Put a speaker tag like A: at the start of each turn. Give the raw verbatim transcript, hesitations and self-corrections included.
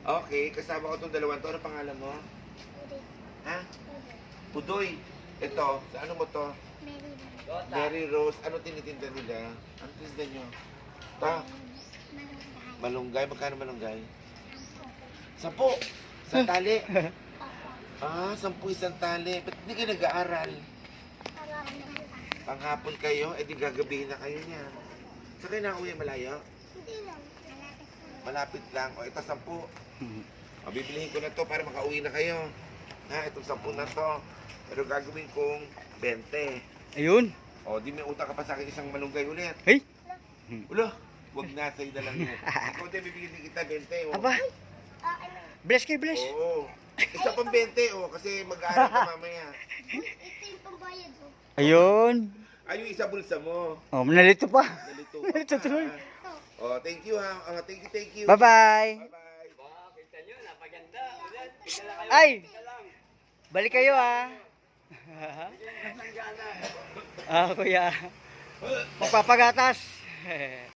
A: Okay, kasama ko itong dalawang to. Ano pangalan mo? Ha? Udoy. Ito, sa ano mo to? Mary Rose. Ano tinitinda nila? Ano tinitinda nyo? Ta? Malunggay. Magkano malunggay? Sampu. Isang tali. Ah, sampu isang tali. Ba't hindi kayo nag-aaral? Panghapon kayo? Eh di gagabihin na kayo niya. Saan kayo nakauwi? Malayo? Malapit lang. O, ito sampu. O, bibilihin ko na to para makauwi na kayo. Ha, itong sampu na to. Pero gagawin kong bente.
B: Ayun.
A: O, di may utang ka pa sa akin isang malunggay ulit.
B: Hey.
A: Ulo, huwag na sa'yo na lang yun. Ikaw din, bibigyan din kita bente. O.
B: Aba. Bless kayo, bless.
A: Oo. Isa pang bente, o. Kasi mag-aaral ka mamaya.
C: Ito yung pambayad mo.
B: Ayun.
A: Ay, yung isa bulsa mo.
B: Oh, nalito pa.
A: Nalito ka
B: Nalito
A: pa.
B: tuloy.
A: O, thank you ha. O, thank you, thank you.
B: Bye-bye.
A: Bye-bye.
B: Ay! Balik kayo ah. Ah, kuya. Magpapagatas.